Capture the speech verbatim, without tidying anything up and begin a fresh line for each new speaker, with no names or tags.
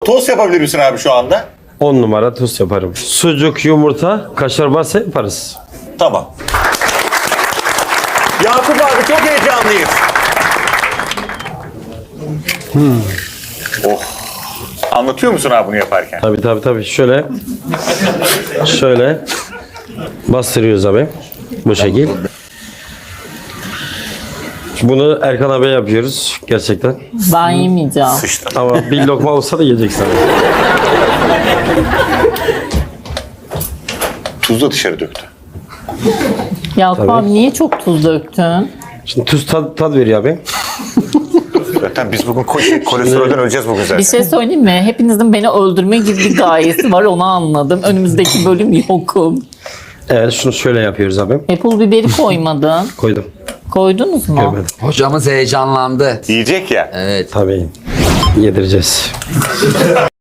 Tost yapabilir misin abi şu anda?
on numara tost yaparım. Sucuk, yumurta, kaşar varsa yaparız.
Tamam. Yakup abi çok heyecanlıyız. Hmm. Oh. Anlatıyor musun abi bunu yaparken?
Tabii tabii tabii. Şöyle. Şöyle. Bastırıyoruz abi. Bu şekil. Bunu Erkan abiye yapıyoruz gerçekten.
Ben yemeyeceğim.
Sıçtım.
Ama bir lokma olsa da yiyeceksin.
Tuz da dışarı döktü.
Yakup
Tabii.
abi niye çok tuz döktün?
Şimdi tuz tad, tad veriyor abi.
Zaten biz bugün ko- kolesterolden öleceğiz bugün zaten.
Bir şey söyleyeyim mi? Hepinizin beni öldürme gibi bir gayesi var, onu anladım. Önümüzdeki bölüm yokum.
Evet, şunu şöyle yapıyoruz abi.
Apple biberi koymadın.
Koydum.
Koydunuz mu?
Görmedim.
Hocamız heyecanlandı.
Yiyecek ya.
Evet.
Tabii. Yedireceğiz.